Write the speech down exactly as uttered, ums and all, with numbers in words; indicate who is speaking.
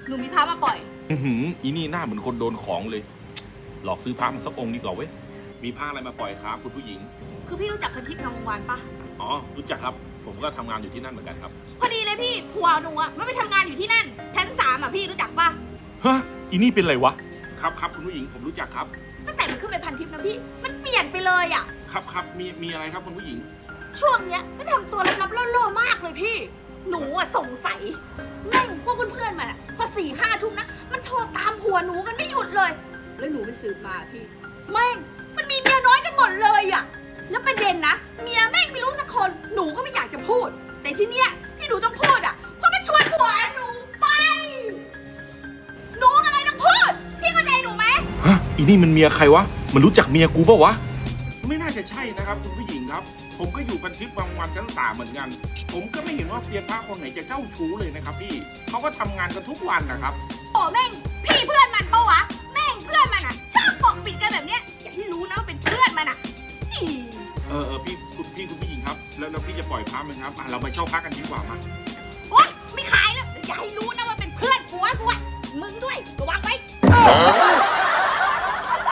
Speaker 1: หนูมีพระมาปล่อย
Speaker 2: อือหืออีนี่หน้าเหมือนคนโดนของเลย หลอกซื้อพระมาสักองค์ดีกว่าเว้ยมีพระอะไรมาปล่อยครับคุณผู้หญิง
Speaker 1: คือพี่รู้จักพันทิพย์งามวงศ์วานปะ
Speaker 2: อ๋อรู้จักครับ ผมก็ทำงานอยู่ที่นั่นเหมือนกันครับ
Speaker 1: พอดีเลยพี่ผัวหนูอะมันไปทำงานอยู่ที่นั่นชั้นสามอะพี่รู้จักปะ
Speaker 2: ฮะอีนี่เป็นไรวะครับครับคุณผู้หญิงผมรู้จักครับ
Speaker 1: ตั้งแต่มันขึ้นไปพันทิพย์นะพี่มันเปลี่ยนไปเลยอะ
Speaker 2: ครับครับมีมีอะไรครับคุณผู้หญิง
Speaker 1: ช่วงเนี้ยมันทำตัวลับๆล่อๆมากเลยพี่ หนูอะสงสัยแม่งพวกเพื่อนๆมันอะพอสี่ห้าทุ่มนะมันโทรตามผัวหนูกันไม่หยุดเลย แล้วหนูไปสืบมาพี่แม่งมันมีเมียน้อยกันหมดเลยอะแล้วประเด็นนะเมียแม่งไม่รู้สักคนหนูก็ไม่อยากจะพูด แต่ที่เนี้ยที่หนูต้องพูดอะเพราะมันชวนผัวหนูไปหนูก็เลยต้องพูดพี่เข้าใจหนูไหม
Speaker 2: ฮะอีนี่มันเมียใครวะมันรู้จักเมียกูปะวะไม่น่าจะใช่นะครับคุณผู้หญิงครับ ผมก็อยู่บันทึกบางวันชั้นสามเหมือนกัน ผมก็ไม่เห็นว่าเซียนพระคนไหนจะเจ้าชู้เลยนะครับพี่เขาก็ทำงานกันทุกวันนะครับ
Speaker 1: โอ้แม่งพี่เพื่อนมันปะวะแม่งเพื่อนมันอะชอบปกปิดกันแบบเนี้ยอย่าให้รู้นะว่าเป็นเพื่อนมันอะอี
Speaker 2: เออเออพี่คุณพี่คุณผู้หญิงครับแล้วแล้วพี่จะปล่อยพระไหมครับอ่ะเรามาเช่าพระกันดีกว่ามา
Speaker 1: โอ๊ยไม่ขายแล้วอย่าให้รู้